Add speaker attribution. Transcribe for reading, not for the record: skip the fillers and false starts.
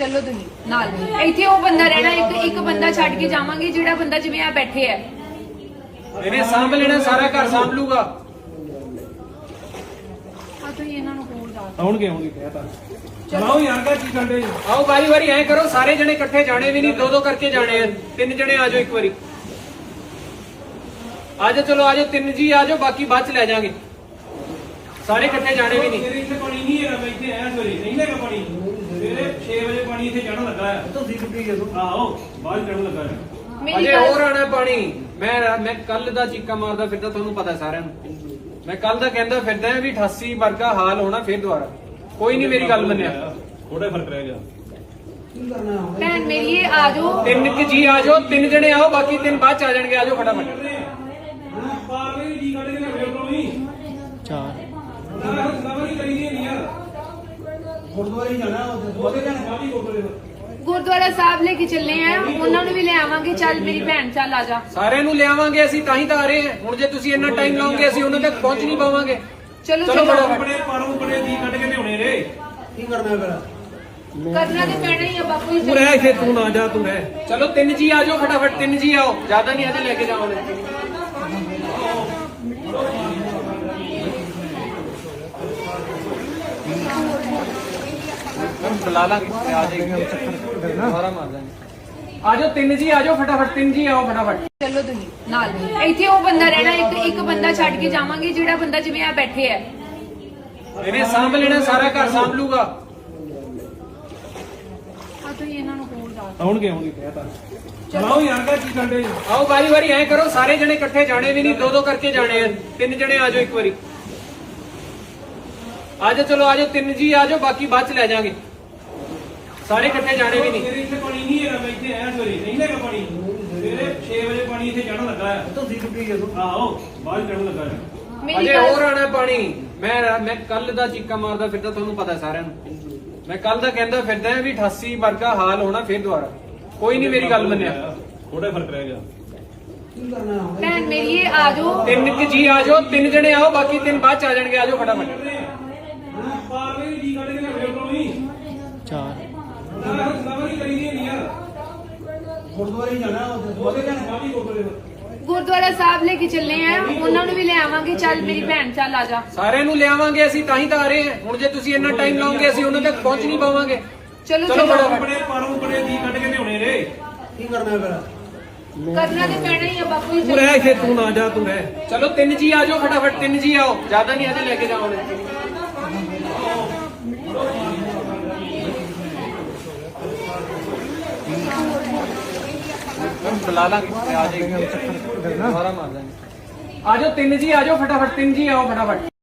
Speaker 1: चलो तुम नाल इत्थे वो बंदा रहना एक बंदा छड़ के जावांगे जेड़ा बंदा जिवें आ बैठे है
Speaker 2: ਇਹਨੇ ਸਾਂਭ ਲੈਣਾ ਸਾਰਾ ਘਰ ਸਾਂਭ ਲੂਗਾ
Speaker 1: ਆ ਤੁਸੀਂ ਇਹਨਾਂ ਨੂੰ ਕੋਲ ਜਾ
Speaker 2: ਆਉਣਗੇ ਕਹਿਤਾ ਚਲਾਓ ਯਾਰ ਕਾ ਕੀ ਕਰਦੇ ਆਓ ਵਾਰੀ ਵਾਰੀ ਐ ਕਰੋ ਸਾਰੇ ਜਣੇ ਇਕੱਠੇ ਜਾਣੇ ਵੀ ਨਹੀਂ ਦੋ ਦੋ ਕਰਕੇ ਜਾਣੇ ਆ ਤਿੰਨ ਜਣੇ ਆ ਜਾਓ ਇੱਕ ਵਾਰੀ ਆਜੋ ਚਲੋ ਆਜੋ ਤਿੰਨ ਜੀ ਆਜੋ ਬਾਕੀ ਬਾਅਦ ਚ ਲੈ ਜਾਾਂਗੇ ਸਾਰੇ ਇਕੱਠੇ ਜਾਣੇ ਵੀ ਨਹੀਂ
Speaker 3: ਤੇਰੇ ਇੱਥੇ ਪਾਣੀ ਨਹੀਂ ਹੈਗਾ ਮੈਂ ਇੱਥੇ ਆਇਆ ਸਵੇਰੇ ਨਹੀਂ ਹੈਗਾ ਪਾਣੀ ਸਵੇਰੇ 6 ਵਜੇ ਪਾਣੀ ਇੱਥੇ ਚੜਨ ਲੱਗਾ ਹੈ
Speaker 2: ਤੁਸੀਂ ਕਿੱਥੇ ਹੋ
Speaker 3: ਆਹੋ ਬਾਹਰ ਚੜਨ ਲੱਗਾ ਹੈ
Speaker 1: मेरी
Speaker 2: ਅਜੇ
Speaker 1: गल
Speaker 2: ਹੋਰ ਆਣਾ ਪਾਣੀ ਮੈਂ ਕੱਲ ਦਾ ਚੀਕਾ ਮਾਰਦਾ ਫਿਰਦਾ ਤੁਹਾਨੂੰ ਪਤਾ ਸਾਰਿਆਂ ਨੂੰ ਮੈਂ ਕੱਲ ਦਾ ਕਹਿੰਦਾ ਫਿਰਦਾ ਵੀ 88 ਵਰਗਾ ਹਾਲ ਹੋਣਾ ਫਿਰ ਦੁਬਾਰਾ ਕੋਈ ਨਹੀਂ ਮੇਰੀ ਗੱਲ ਮੰਨਿਆ
Speaker 3: ਥੋੜਾ ਫਰਕ ਰਹਿ ਗਿਆ
Speaker 1: भैन मेरी ये आ जाओ
Speaker 2: ਤਿੰਨ ਕਿ ਜੀ ਆ ਜਾਓ ਤਿੰਨ ਜਣੇ ਆਓ ਬਾਕੀ ਤਿੰਨ ਬਾਅਦ ਚ ਆ ਜਾਣਗੇ ਆਜੋ ਫਟਾਫਟ
Speaker 3: ਪਾਰਲੇ ਵੀ ਜੀ ਕੱਢ ਕੇ ਨਾ ਵੇਖ ਲਓ ਨਹੀਂ ਸਵਾਰੀ ਕਰੀ ਨਹੀਂ ਯਾਰ ਗੁਰਦੁਆਰੇ ਜਾਣਾ ਉਹਦੇ ਜਾਣਾ ਕਾਫੀ ਗੁਰਦੁਆਰੇ
Speaker 1: गुरुद्वारा साहब लेके चलने हैं उन्होंने भी ले आवांगे चल मेरी भैन चल आ जा
Speaker 2: ਸਾਰਿਆਂ ਨੂੰ ਲਿਆਵਾਂਗੇ ਅਸੀਂ ਤਾਂ ਹੀ ਤਾਂ ਆ ਰਹੇ ਹਾਂ ਹੁਣ ਜੇ ਤੁਸੀਂ ਇੰਨਾ ਟਾਈਮ ਲਾਓਗੇ ਅਸੀਂ ਉਹਨਾਂ ਤੱਕ ਪਹੁੰਚ ਨਹੀਂ ਪਾਵਾਂਗੇ
Speaker 1: चलो
Speaker 2: चलो
Speaker 1: चलो
Speaker 2: फटाफट।
Speaker 3: ਆਪਣੇ ਪਰੋਂ ਬੜੇ ਜੀ ਕੱਢ ਕੇ ਲਿਆਉਣੇ ਰੇ ਕੀ ਕਰਨਾ ਫਿਰ
Speaker 1: करना तो पैना ही है बापू जी
Speaker 2: ਤੂੰ ਰਹਿ ਇੱਥੇ ਤੂੰ ਨਾ ਜਾ ਤੂੰ ਰਹਿ ਚਲੋ ਤਿੰਨ ਜੀ ਆ ਜਾਓ ਫਟਾਫਟ ਤਿੰਨ ਜੀ ਆਓ ਜ਼ਿਆਦਾ ਨਹੀਂ ਅਜੇ ਲੈ ਕੇ ਜਾਵਾਂਗੇ हम बुला लांगे आ जाएंगे सारा मार देंगे आ जाओ तीन जी आ जाओ फटाफट तीन जी आओ फटाफट
Speaker 1: चलो तुम नाल इत्थे वो बंदा रहना एक बंदा छड़ के जावांगे जेड़ा बंदा जिवें आ बैठे है
Speaker 2: ਇਹਨੇ ਸਾਂਭ ਲੈਣਾ ਸਾਰਾ ਘਰ ਸਾਂਭ ਲੂਗਾ
Speaker 1: ਆ ਤੁਸੀਂ ਇਹਨਾਂ ਨੂੰ ਕੋਲ ਜਾ
Speaker 2: ਆਉਣਗੇ ਕਹਿਤਾ
Speaker 3: ਚਲਾਓ ਯਾਰ ਕਾ ਕੀ ਕਰਦੇ
Speaker 2: ਆਓ ਵਾਰੀ ਵਾਰੀ ਐ ਕਰੋ ਸਾਰੇ ਜਣੇ ਇਕੱਠੇ ਜਾਣੇ ਵੀ ਨਹੀਂ ਦੋ ਦੋ ਕਰਕੇ ਜਾਣੇ ਆ ਤਿੰਨ ਜਣੇ ਆ ਜਾਓ ਇੱਕ ਵਾਰੀ ਆਜੋ ਚਲੋ ਆਜੋ ਤਿੰਨ ਜੀ ਆਜੋ ਬਾਕੀ ਬਾਅਦ ਚ ਲੈ ਜਾਾਂਗੇ ਸਾਰੇ ਇਕੱਠੇ ਜਾਣੇ ਵੀ ਨਹੀਂ
Speaker 3: ਤੇਰੇ ਇੱਥੇ ਪਾਣੀ ਨਹੀਂ ਹੈਗਾ ਮੈਂ ਇੱਥੇ ਆਇਆ ਸਵੇਰੇ ਨਹੀਂ ਹੈਗਾ ਪਾਣੀ ਸਵੇਰੇ 6 ਵਜੇ ਪਾਣੀ ਇੱਥੇ ਚੜਨ ਲੱਗਾ ਹੈ
Speaker 2: ਤੁਸੀਂ ਕਿੱਥੇ ਹੋ
Speaker 3: ਆਹੋ ਬਾਹਰ ਚੜਨ ਲੱਗਾ ਹੈ
Speaker 1: मेरी
Speaker 2: ਅਜੇ
Speaker 1: गल
Speaker 2: ਹੋਰ ਆਣਾ ਪਾਣੀ ਮੈਂ ਕੱਲ ਦਾ ਚੀਕਾ ਮਾਰਦਾ ਫਿਰਦਾ ਤੁਹਾਨੂੰ ਪਤਾ ਸਾਰਿਆਂ ਨੂੰ ਮੈਂ ਕੱਲ ਦਾ ਕਹਿੰਦਾ ਫਿਰਦਾ ਵੀ 88 ਵਰਗਾ ਹਾਲ ਹੋਣਾ ਫਿਰ ਦੁਬਾਰਾ ਕੋਈ ਨਹੀਂ ਮੇਰੀ ਗੱਲ ਮੰਨਿਆ
Speaker 3: ਥੋੜਾ ਫਰਕ ਰਹਿ ਗਿਆ
Speaker 1: भैन मेरी ये आ जाओ
Speaker 2: ਤਿੰਨ ਕਿ ਜੀ ਆ ਜਾਓ ਤਿੰਨ ਜਣੇ ਆਓ ਬਾਕੀ ਤਿੰਨ ਬਾਅਦ ਚ ਆ ਜਾਣਗੇ ਆਜੋ ਫਟਾਫਟ
Speaker 3: ਪਾਰਲੇ ਵੀ ਜੀ ਕੱਢ ਕੇ ਨਾ ਵੇਖ ਲਓ ਨਹੀਂ ਸਵਾਰੀ ਕਰੀ ਨਹੀਂ ਯਾਰ ਗੁਰਦੁਆਰੇ ਜਾਣਾ ਉਹਦੇ ਜਾਣਾ ਕਾਫੀ ਗੁਰਦੁਆਰੇ
Speaker 1: गुरुद्वारा साहब लेके चलने हैं उन्होंने भी ले आवांगे चल मेरी भैन चल आ जा
Speaker 2: ਸਾਰਿਆਂ ਨੂੰ ਲਿਆਵਾਂਗੇ ਅਸੀਂ ਤਾਂ ਹੀ ਤਾਂ ਆ ਰਹੇ ਹਾਂ ਹੁਣ ਜੇ ਤੁਸੀਂ ਇੰਨਾ ਟਾਈਮ ਲਾਓਗੇ ਅਸੀਂ ਉਹਨਾਂ ਤੱਕ ਪਹੁੰਚ ਨਹੀਂ ਪਾਵਾਂਗੇ
Speaker 1: चलो
Speaker 2: चलो
Speaker 1: चलो
Speaker 2: फटाफट।
Speaker 3: ਆਪਣੇ ਪਰੋਂ ਬੜੇ ਜੀ ਕੱਢ ਕੇ ਲਿਆਉਣੇ ਰੇ ਕੀ ਕਰਨਾ ਫਿਰ
Speaker 1: करना तो पैना ही है बापू जी
Speaker 2: ਤੂੰ ਰਹਿ ਇੱਥੇ ਤੂੰ ਨਾ ਜਾ ਤੂੰ ਰਹਿ ਚਲੋ ਤਿੰਨ ਜੀ ਆ ਜਾਓ ਫਟਾਫਟ ਤਿੰਨ ਜੀ ਆਓ ਜ਼ਿਆਦਾ ਨਹੀਂ ਅਜੇ ਲੈ ਕੇ ਜਾਵਾਂਗੇ हम बुला लांगे आ जाएंगे सारा मार देंगे आ जाओ तीन जी आ जाओ फटाफट तीन जी आओ फटाफट